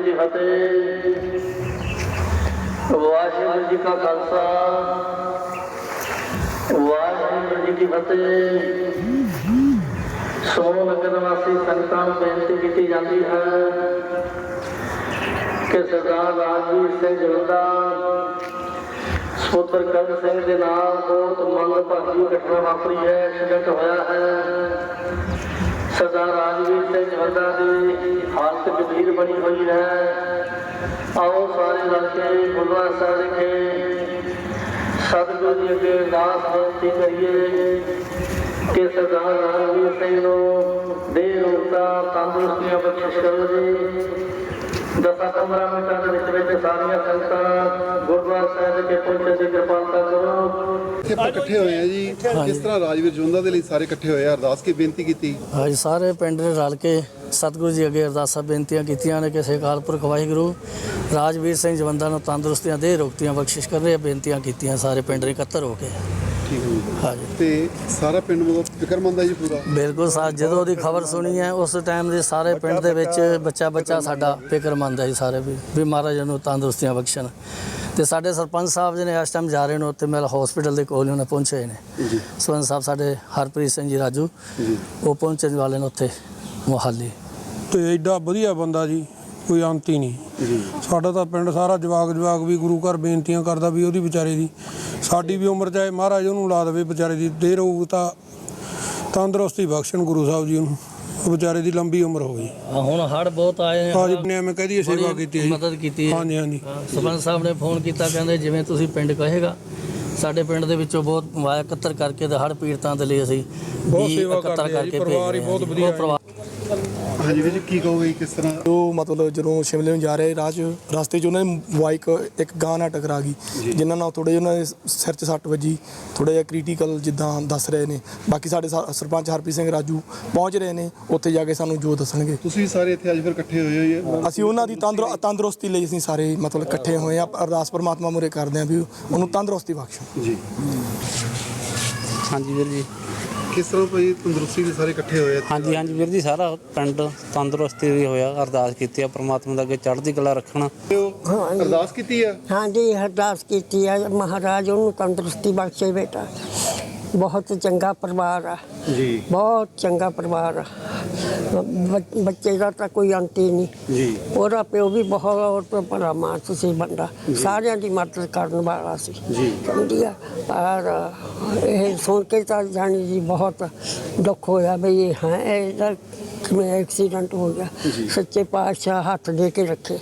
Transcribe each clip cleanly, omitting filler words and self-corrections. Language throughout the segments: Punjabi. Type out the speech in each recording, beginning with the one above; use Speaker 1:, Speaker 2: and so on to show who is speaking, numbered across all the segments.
Speaker 1: की फतेह। वाहिगुरू जी का खालसा वाहिगुरू जी की फतेह। सोनू नगर वासी संगतां नूं बेनती की जाती है कि सरदार राजवीर सिंह जलंधा पुत्र कर्ण सिंह के नाल बहुत मंदभागी घटना वापरी है, एक्सीडेंट होया है। सरदार राजवीर सिंह जलंधा की हालत गंभीर बनी हुई है। आओ सारे लड़के गुरुद्वारा साहिब विखे सतगुरु जी अगे अरदास बेनती करिए कि सरदार राजवीर सिंह नूं देह रोगता तंदुरुस्तियां बख्शिश करो जी। 10-15 मिनटां ਦੇ ਵਿੱਚ ਸਾਰੀਆਂ ਸੰਗਤਾਂ ਗੁਰਦੁਆਰਾ ਸਾਹਿਬ ਦੇ ਪਹੁੰਚਣ ਦੀ ਕਿਰਪਾਲਤਾ ਕਰੋ।
Speaker 2: ਇੱਥੇ ਆਪਾਂ ਇਕੱਠੇ ਹੋਏ ਆ ਜੀ, ਕਿਸ ਤਰ੍ਹਾਂ ਰਾਜਵੀਰ ਜੋਂਦਾ ਦੇ ਲਈ ਸਾਰੇ ਇਕੱਠੇ ਹੋਏ ਆ, ਅਰਦਾਸ ਕੀ ਬੇਨਤੀ ਕੀਤੀ?
Speaker 3: ਹਾਂਜੀ, ਸਾਰੇ ਪਿੰਡ ਨੇ ਰਲ ਕੇ ਸਤਿਗੁਰੂ ਜੀ ਅੱਗੇ ਅਰਦਾਸਾਂ ਬੇਨਤੀਆਂ ਕੀਤੀਆਂ ਨੇ ਕਿ ਅਕਾਲ ਪੁਰਖ ਵਾਹਿਗੁਰੂ ਰਾਜਵੀਰ ਸਿੰਘ ਜਵੰਦਾ ਨੂੰ ਤੰਦਰੁਸਤੀਆਂ ਦੇ ਰੋਗਤੀਆਂ ਬਖਸ਼ਿਸ਼ ਕਰ ਰਹੇ ਬੇਨਤੀਆਂ ਕੀਤੀਆਂ ਸਾਰੇ ਪਿੰਡ ਨੇ ਇਕੱਤਰ ਹੋ ਕੇ।
Speaker 2: ਠੀਕ ਹੈ ਜੀ।
Speaker 3: ਹਾਂਜੀ,
Speaker 2: ਤੇ ਸਾਰਾ ਪਿੰਡ ਮਤਲਬ ਫਿਕਰਮੰਦ ਹੈ ਜੀ ਪੂਰਾ?
Speaker 3: ਬਿਲਕੁਲ ਜਦੋਂ ਉਹਦੀ ਖਬਰ ਸੁਣੀ ਹੈ ਉਸ ਟਾਈਮ ਦੇ ਸਾਰੇ ਪਿੰਡ ਦੇ ਵਿੱਚ ਬੱਚਾ ਸਾਡਾ ਫਿਕਰਮੰਦ ਹੈ ਜੀ ਸਾਰੇ ਵੀ ਮਹਾਰਾਜ ਨੂੰ ਤੰਦਰੁਸਤੀਆਂ ਬਖਸ਼ਣ। ਤੇ ਸਾਡੇ ਸਰਪੰਚ ਸਾਹਿਬ ਜੀ ਨੇ ਇਸ ਟਾਈਮ ਜਾ ਰਹੇ ਨੇ ਉੱਥੇ ਮੈਲ ਹਸਪੀਟਲ ਦੇ ਕੋਲ ਉਹਨੇ ਪਹੁੰਚੇ ਨੇ
Speaker 2: ਜੀ।
Speaker 3: ਸਰਪੰਚ ਸਾਹਿਬ ਸਾਡੇ ਹਰਪ੍ਰੀਤ ਸਿੰਘ ਜੀ ਰਾਜੂ
Speaker 2: ਜੀ,
Speaker 3: ਉਹ ਪਹੁੰਚਣ ਵਾਲੇ ਨੇ ਉੱਥੇ ਮੁਹਾਲੀ।
Speaker 4: ਤੇ ਐਡਾ ਵਧੀਆ ਬੰਦਾ ਜੀ, ਕੋਈ ਅੰਤ ਹੀ ਨਹੀਂ
Speaker 2: ਜੀ।
Speaker 4: ਸਾਡਾ ਤਾਂ ਪਿੰਡ ਸਾਰਾ ਜਵਾਕ ਵੀ ਗੁਰੂ ਘਰ ਬੇਨਤੀਆਂ ਕਰਦਾ ਵੀ ਉਹਦੀ ਵਿਚਾਰੇ ਦੀ ਸਾਡੀ ਵੀ ਉਮਰ ਚਾਹੇ ਮਹਾਰਾਜ ਉਹਨੂੰ ਲਾ ਦੇਵੇ ਵਿਚਾਰੇ ਦੀ ਦੇਰ ਹੋਊ ਤਾਂ ਤੰਦਰੁਸਤੀ ਬਖਸ਼ਣ ਗੁਰੂ ਸਾਹਿਬ ਜੀ ਉਹਨੂੰ, ਵਿਚਾਰੇ ਦੀ ਲੰਬੀ ਉਮਰ ਹੋਵੇ।
Speaker 3: ਹੁਣ ਹੜ੍ਹ ਬਹੁਤ ਆਏ ਨੇ,
Speaker 4: ਹਾਂਜੀ ਨੇ ਮੈਂ ਕਹਦੀ ਸੇਵਾ ਕੀਤੀ ਹੈ ਜੀ,
Speaker 3: ਮਦਦ ਕੀਤੀ ਹੈ।
Speaker 4: ਹਾਂਜੀ ਹਾਂਜੀ।
Speaker 3: ਸਰਪੰਚ ਸਾਹਿਬ ਨੇ ਫੋਨ ਕੀਤਾ, ਕਹਿੰਦੇ ਜਿਵੇਂ ਤੁਸੀਂ ਪਿੰਡ ਕਹੇਗਾ। ਸਾਡੇ ਪਿੰਡ ਦੇ ਵਿੱਚੋਂ ਬਹੁਤ ਵਾਇਆ ਇਕੱਤਰ ਕਰਕੇ ਤੇ ਹੜ੍ਹ ਪੀੜਤਾਂ ਦੇ ਲਈ ਅਸੀਂ
Speaker 4: ਬਹੁਤ ਸੇਵਾ ਕਰਦੇ ਹਾਂ ਜੀ, ਪਰਿਵਾਰ ਹੀ ਬਹੁਤ ਵਧੀਆ ਹੈ।
Speaker 2: ਹਾਂਜੀ ਵੀਰ ਜੀ, ਕੀ ਕਹੋਗੇ ਕਿਸ ਤਰ੍ਹਾਂ?
Speaker 5: ਜੋ ਮਤਲਬ ਜਦੋਂ ਸ਼ਿਮਲੇ ਨੂੰ ਜਾ ਰਹੇ ਰਸਤੇ 'ਚ ਉਹਨਾਂ ਦੀ ਬਾਈਕ ਇੱਕ ਗਾਂ ਨਾਲ ਟਕਰਾ ਗਈ, ਜਿਨ੍ਹਾਂ ਨਾਲ ਥੋੜ੍ਹੇ ਉਹਨਾਂ ਦੇ ਸਿਰ 'ਚ ਸੱਟ ਵੱਜੀ, ਥੋੜ੍ਹਾ ਜਿਹਾ ਕ੍ਰਿਟੀਕਲ ਜਿੱਦਾਂ ਦੱਸ ਰਹੇ ਨੇ। ਬਾਕੀ ਸਾਡੇ ਸਰਪੰਚ ਹਰਪ੍ਰੀਤ ਸਿੰਘ ਰਾਜੂ ਪਹੁੰਚ ਰਹੇ ਨੇ, ਉੱਥੇ ਜਾ ਕੇ ਸਾਨੂੰ ਜੋ ਦੱਸਣਗੇ।
Speaker 2: ਤੁਸੀਂ ਸਾਰੇ ਇੱਥੇ ਅੱਜ ਫਿਰ ਇਕੱਠੇ ਹੋਏ ਹੋ?
Speaker 5: ਅਸੀਂ ਉਹਨਾਂ ਦੀ ਤੰਦਰੁਸਤੀ ਲਈ ਅਸੀਂ ਸਾਰੇ ਮਤਲਬ ਇਕੱਠੇ ਹੋਏ ਆ, ਅਰਦਾਸ ਪਰਮਾਤਮਾ ਮੂਹਰੇ ਕਰਦੇ ਹਾਂ ਵੀ ਉਹਨੂੰ ਤੰਦਰੁਸਤੀ ਬਖਸ਼ੋ
Speaker 2: ਜੀ।
Speaker 6: ਹਾਂਜੀ ਵੀਰ ਜੀ।
Speaker 2: ਕਿਸ ਤਰ੍ਹਾਂ ਭਾਈ ਤੰਦਰੁਸਤੀ ਦੇ ਸਾਰੇ ਇਕੱਠੇ ਹੋਏ?
Speaker 6: ਹਾਂਜੀ ਵੀਰ ਜੀ, ਸਾਰਾ ਪਿੰਡ ਤੰਦਰੁਸਤੀ ਵੀ ਹੋਇਆ। ਅਰਦਾਸ ਕੀਤੀ ਆ ਪ੍ਰਮਾਤਮਾ ਦਾ ਅੱਗੇ ਚੜ੍ਹਦੀ ਕਲਾ ਰੱਖਣਾ।
Speaker 2: ਅਰਦਾਸ ਕੀਤੀ ਆ?
Speaker 7: ਹਾਂਜੀ, ਅਰਦਾਸ ਕੀਤੀ ਹੈ ਮਹਾਰਾਜ ਉਹਨੂੰ ਤੰਦਰੁਸਤੀ ਬਖਸ਼ੇ ਬੇਟਾ। ਬਹੁਤ ਚੰਗਾ ਪਰਿਵਾਰ ਆ
Speaker 2: ਜੀ,
Speaker 7: ਬਹੁਤ ਚੰਗਾ ਪਰਿਵਾਰ ਆ। ਬੱਚੇ ਦਾ ਤਾਂ ਕੋਈ ਅੰਤ ਹੀ ਨਹੀਂ
Speaker 2: ਜੀ।
Speaker 7: ਉਹਦਾ ਪਿਓ ਵੀ ਬਹੁਤ ਬੜਾ ਮਾਨਸ ਸੀ ਬੰਦਾ, ਸਾਰਿਆਂ ਦੀ ਮਦਦ ਕਰਨ ਵਾਲਾ ਸੀ
Speaker 2: ਜੀ।
Speaker 7: ਸਮਝੀ ਆ। ਪਰ ਇਹ ਸੁਣ ਕੇ ਤਾਂ ਜਾਣੀ ਜੀ ਬਹੁਤ ਦੁੱਖ ਹੋਇਆ ਵੀ ਇਹ ਹਾਂ ਇਹਦਾ ਕਿਵੇਂ ਐਕਸੀਡੈਂਟ ਹੋ ਗਿਆ। ਸੱਚੇ ਪਾਤਸ਼ਾਹ ਹੱਥ ਦੇ ਕੇ ਰੱਖੇ।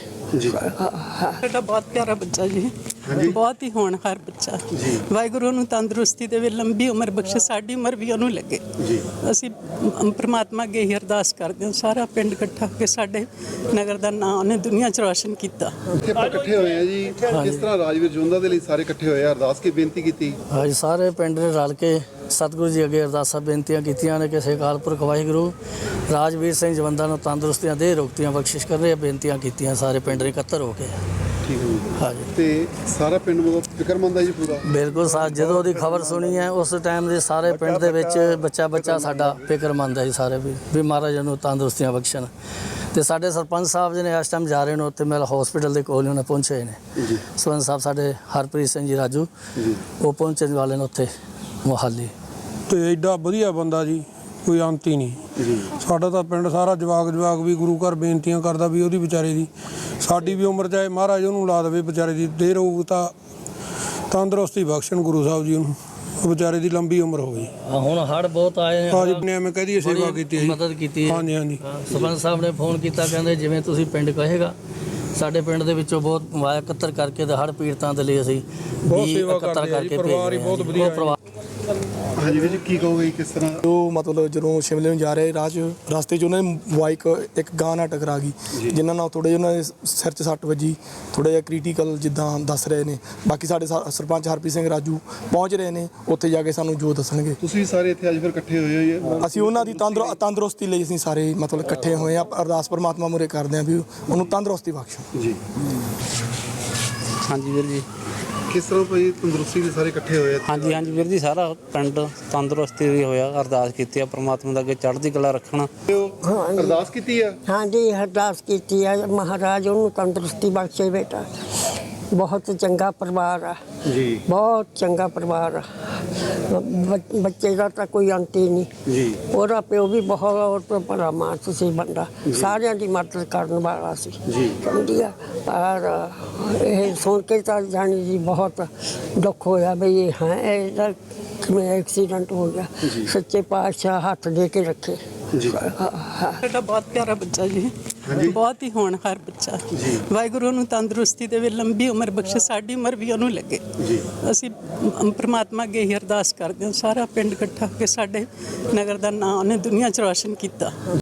Speaker 8: ਸਾਡਾ ਬਹੁਤ ਪਿਆਰਾ ਬੱਚਾ ਜੀ, ਬਹੁਤ ਹੀ ਹੋਣਹਾਰ ਬੱਚਾ। ਵਾਹਿਗੁਰੂ ਨੂੰ ਤੰਦਰੁਸਤੀ ਦੇਵੇ, ਲੰਬੀ ਉਮਰ ਬਖਸ਼ੇ, ਸਾਡੀ ਉਮਰ ਵੀ ਉਹਨੂੰ ਲੱਗੇ। ਅਸੀਂ ਪ੍ਰਮਾਤਮਾ ਅੱਗੇ ਹੀ ਅਰਦਾਸ ਕਰਦੇ ਹਾਂ, ਸਾਰਾ ਪਿੰਡ ਇਕੱਠਾ ਹੋ ਕੇ ਸਾਡੇ ਨਗਰ ਦਾ ਨਾਂ ਉਹਨੇ ਦੁਨੀਆ 'ਚ ਰੌਸ਼ਨ ਕੀਤਾ।
Speaker 2: ਇੱਥੇ ਆਪਾਂ ਇਕੱਠੇ ਹੋਏ ਆ ਜੀ, ਕਿਸ ਤਰ੍ਹਾਂ ਰਾਜਵੀਰ ਜੋਂਦਾ ਦੇ ਲਈ ਸਾਰੇ ਇਕੱਠੇ ਹੋਏ ਆ, ਅਰਦਾਸ ਕੀ ਬੇਨਤੀ ਕੀਤੀ?
Speaker 3: ਹਾਂਜੀ, ਸਾਰੇ ਪਿੰਡ ਨੇ ਰਲ ਕੇ ਸਤਿਗੁਰੂ ਜੀ ਅੱਗੇ ਅਰਦਾਸਾਂ ਬੇਨਤੀਆਂ ਕੀਤੀਆਂ ਨੇ ਕਿ ਅਕਾਲ ਪੁਰਖ ਵਾਹਿਗੁਰੂ ਰਾਜਵੀਰ ਸਿੰਘ ਜਵੰਦਾ ਨੂੰ ਤੰਦਰੁਸਤੀਆਂ ਦੇ ਰੋਗਤੀਆਂ ਬਖਸ਼ਿਸ਼ ਕਰ ਰਹੇ ਬੇਨਤੀਆਂ ਕੀਤੀਆਂ ਸਾਰੇ ਪਿੰਡ ਨੇ ਇਕੱਤਰ ਹੋ ਕੇ।
Speaker 2: ਠੀਕ ਹੈ ਜੀ।
Speaker 3: ਹਾਂਜੀ,
Speaker 2: ਤੇ ਸਾਰਾ ਪਿੰਡ ਮਤਲਬ ਫਿਕਰਮੰਦ ਹੈ ਜੀ ਪੂਰਾ?
Speaker 3: ਬਿਲਕੁਲ ਜਦੋਂ ਉਹਦੀ ਖਬਰ ਸੁਣੀ ਹੈ ਉਸ ਟਾਈਮ ਦੇ ਸਾਰੇ ਪਿੰਡ ਦੇ ਵਿੱਚ ਬੱਚਾ ਸਾਡਾ ਫਿਕਰਮੰਦ ਹੈ ਜੀ ਸਾਰੇ ਵੀ ਮਹਾਰਾਜ ਨੂੰ ਤੰਦਰੁਸਤੀਆਂ ਬਖਸ਼ਣ। ਤੇ ਸਾਡੇ ਸਰਪੰਚ ਸਾਹਿਬ ਜੀ ਨੇ ਇਸ ਟਾਈਮ ਜਾ ਰਹੇ ਨੇ ਉੱਥੇ ਮੈਲ ਹਸਪੀਟਲ ਦੇ ਕੋਲ ਉਹਨੇ ਪਹੁੰਚੇ ਨੇ
Speaker 2: ਜੀ।
Speaker 3: ਸਰਪੰਚ ਸਾਹਿਬ ਸਾਡੇ ਹਰਪ੍ਰੀਤ ਸਿੰਘ ਜੀ ਰਾਜੂ
Speaker 2: ਜੀ,
Speaker 3: ਉਹ ਪਹੁੰਚਣ ਵਾਲੇ ਨੇ ਉੱਥੇ ਮੁਹਾਲੀ।
Speaker 4: ਤੇ ਐਡਾ ਵਧੀਆ ਬੰਦਾ ਜੀ, ਕੋਈ ਅੰਤ ਹੀ ਨਹੀਂ
Speaker 2: ਜੀ।
Speaker 4: ਸਾਡਾ ਤਾਂ ਪਿੰਡ ਸਾਰਾ ਜਵਾਕ ਵੀ ਗੁਰੂ ਘਰ ਬੇਨਤੀਆਂ ਕਰਦਾ ਵੀ ਉਹਦੀ ਵਿਚਾਰੇ ਦੀ ਸਾਡੀ ਵੀ ਉਮਰ ਚਾਹੇ ਮਹਾਰਾਜ ਉਹਨੂੰ ਲਾ ਦੇਵੇ ਵਿਚਾਰੇ ਦੀ ਦੇਰ ਹੋਊ ਤਾਂ ਤੰਦਰੁਸਤੀ ਬਖਸ਼ਣ ਗੁਰੂ ਸਾਹਿਬ ਜੀ ਉਹਨੂੰ, ਵਿਚਾਰੇ ਦੀ ਲੰਬੀ ਉਮਰ ਹੋਵੇ।
Speaker 3: ਹੁਣ ਹੜ੍ਹ ਬਹੁਤ ਆਏ ਨੇ,
Speaker 4: ਹਾਂਜੀ ਨੇ ਮੈਂ ਕਹਦੀ ਸੇਵਾ ਕੀਤੀ ਹੈ ਜੀ,
Speaker 3: ਮਦਦ ਕੀਤੀ ਹੈ।
Speaker 4: ਹਾਂਜੀ ਹਾਂਜੀ।
Speaker 3: ਸਰਪੰਚ ਸਾਹਿਬ ਨੇ ਫੋਨ ਕੀਤਾ, ਕਹਿੰਦੇ ਜਿਵੇਂ ਤੁਸੀਂ ਪਿੰਡ ਕਹੇਗਾ। ਸਾਡੇ ਪਿੰਡ ਦੇ ਵਿੱਚੋਂ ਬਹੁਤ ਵਾਇਆ ਇਕੱਤਰ ਕਰਕੇ ਤੇ ਹੜ੍ਹ ਪੀੜਤਾਂ ਦੇ ਲਈ ਅਸੀਂ
Speaker 4: ਬਹੁਤ ਸੇਵਾ ਕਰਦੇ ਹਾਂ ਜੀ, ਪਰਿਵਾਰ ਹੀ ਬਹੁਤ ਵਧੀਆ ਹੈ।
Speaker 2: ਹਾਂਜੀ ਵੀਰ ਜੀ, ਕੀ ਕਹੋਗੇ ਕਿਸ ਤਰ੍ਹਾਂ?
Speaker 5: ਜੋ ਮਤਲਬ ਜਦੋਂ ਸ਼ਿਮਲੇ ਨੂੰ ਜਾ ਰਹੇ ਰਸਤੇ 'ਚ ਉਹਨਾਂ ਦੀ ਬਾਈਕ ਇੱਕ ਗਾਂ ਨਾਲ ਟਕਰਾ ਗਈ, ਜਿਨ੍ਹਾਂ ਨਾਲ ਥੋੜ੍ਹੇ ਉਹਨਾਂ ਦੇ ਸਿਰ 'ਚ ਸੱਟ ਵੱਜੀ, ਥੋੜ੍ਹਾ ਜਿਹਾ ਕ੍ਰਿਟੀਕਲ ਜਿੱਦਾਂ ਦੱਸ ਰਹੇ ਨੇ। ਬਾਕੀ ਸਾਡੇ ਸਰਪੰਚ ਹਰਪ੍ਰੀਤ ਸਿੰਘ ਰਾਜੂ ਪਹੁੰਚ ਰਹੇ ਨੇ, ਉੱਥੇ ਜਾ ਕੇ ਸਾਨੂੰ ਜੋ ਦੱਸਣਗੇ।
Speaker 2: ਤੁਸੀਂ ਸਾਰੇ ਇੱਥੇ ਅੱਜ ਫਿਰ ਇਕੱਠੇ ਹੋਏ ਹੋ?
Speaker 5: ਅਸੀਂ ਉਹਨਾਂ ਦੀ ਤੰਦਰੁਸਤੀ ਲਈ ਅਸੀਂ ਸਾਰੇ ਮਤਲਬ ਇਕੱਠੇ ਹੋਏ ਆ, ਅਰਦਾਸ ਪਰਮਾਤਮਾ ਮੂਹਰੇ ਕਰਦੇ ਹਾਂ ਵੀ ਉਹਨੂੰ ਤੰਦਰੁਸਤੀ ਬਖਸ਼ੋ
Speaker 2: ਜੀ।
Speaker 6: ਹਾਂਜੀ ਵੀਰ ਜੀ।
Speaker 2: ਕਿਸ ਤਰ੍ਹਾਂ ਭਾਈ ਤੰਦਰੁਸਤੀ ਦੇ ਸਾਰੇ ਇਕੱਠੇ ਹੋਏ ਆ?
Speaker 6: ਹਾਂਜੀ ਹਾਂਜੀ ਵੀਰ ਜੀ, ਸਾਰਾ ਪਿੰਡ ਤੰਦਰੁਸਤੀ ਵੀ ਹੋਇਆ। ਅਰਦਾਸ ਕੀਤੀ ਆ ਪ੍ਰਮਾਤਮਾ ਦਾ ਅੱਗੇ ਚੜ੍ਹਦੀ ਕਲਾ ਰੱਖਣਾ।
Speaker 2: ਅਰਦਾਸ ਕੀਤੀ ਆ?
Speaker 7: ਹਾਂਜੀ ਅਰਦਾਸ ਕੀਤੀ ਹੈ ਮਹਾਰਾਜ ਉਹਨੂੰ ਤੰਦਰੁਸਤੀ ਬਖਸ਼ੇ ਬੇਟਾ। ਬਹੁਤ ਚੰਗਾ ਪਰਿਵਾਰ ਆ
Speaker 2: ਜੀ
Speaker 7: ਬਹੁਤ ਚੰਗਾ ਪਰਿਵਾਰ ਆ। ਬੱਚੇ ਦਾ ਤਾਂ ਕੋਈ ਅੰਤ ਹੀ ਨਹੀਂ
Speaker 2: ਜੀ।
Speaker 7: ਉਹਦਾ ਪਿਓ ਵੀ ਬਹੁਤ ਭਲਾ ਮਾਨਸ ਸੀ ਬੰਦਾ, ਸਾਰਿਆਂ ਦੀ ਮਦਦ ਕਰਨ ਵਾਲਾ ਸੀ
Speaker 2: ਜੀ।
Speaker 7: ਸਮਝਿਆ। ਪਰ ਇਹ ਸੁਣ ਕੇ ਤਾਂ ਜਾਣੀ ਜੀ ਬਹੁਤ ਦੁੱਖ ਹੋਇਆ ਵੀ ਇਹ ਹਾਂ ਇਹਦਾ ਕਿਵੇਂ ਐਕਸੀਡੈਂਟ ਹੋ ਗਿਆ। ਸੱਚੇ ਪਾਤਸ਼ਾਹ ਹੱਥ ਦੇ ਕੇ ਰੱਖੇ।
Speaker 8: ਸਾਡਾ ਬਹੁਤ ਪਿਆਰਾ ਬੱਚਾ ਜੀ, ਬਹੁਤ ਹੀ ਹੋਣਹਾਰ ਬੱਚਾ। ਵਾਹਿਗੁਰੂ ਨੂੰ ਤੰਦਰੁਸਤੀ ਦੇਵੇ, ਲੰਬੀ ਉਮਰ ਬਖਸ਼ੇ, ਸਾਡੀ ਉਮਰ ਵੀ ਉਹਨੂੰ ਲੱਗੇ। ਅਸੀਂ ਪ੍ਰਮਾਤਮਾ ਅੱਗੇ ਹੀ ਅਰਦਾਸ ਕਰਦੇ ਹਾਂ, ਸਾਰਾ ਪਿੰਡ ਇਕੱਠਾ ਹੋ ਕੇ ਸਾਡੇ ਨਗਰ ਦਾ ਨਾਂ ਉਹਨੇ ਦੁਨੀਆ 'ਚ ਰੌਸ਼ਨ ਕੀਤਾ।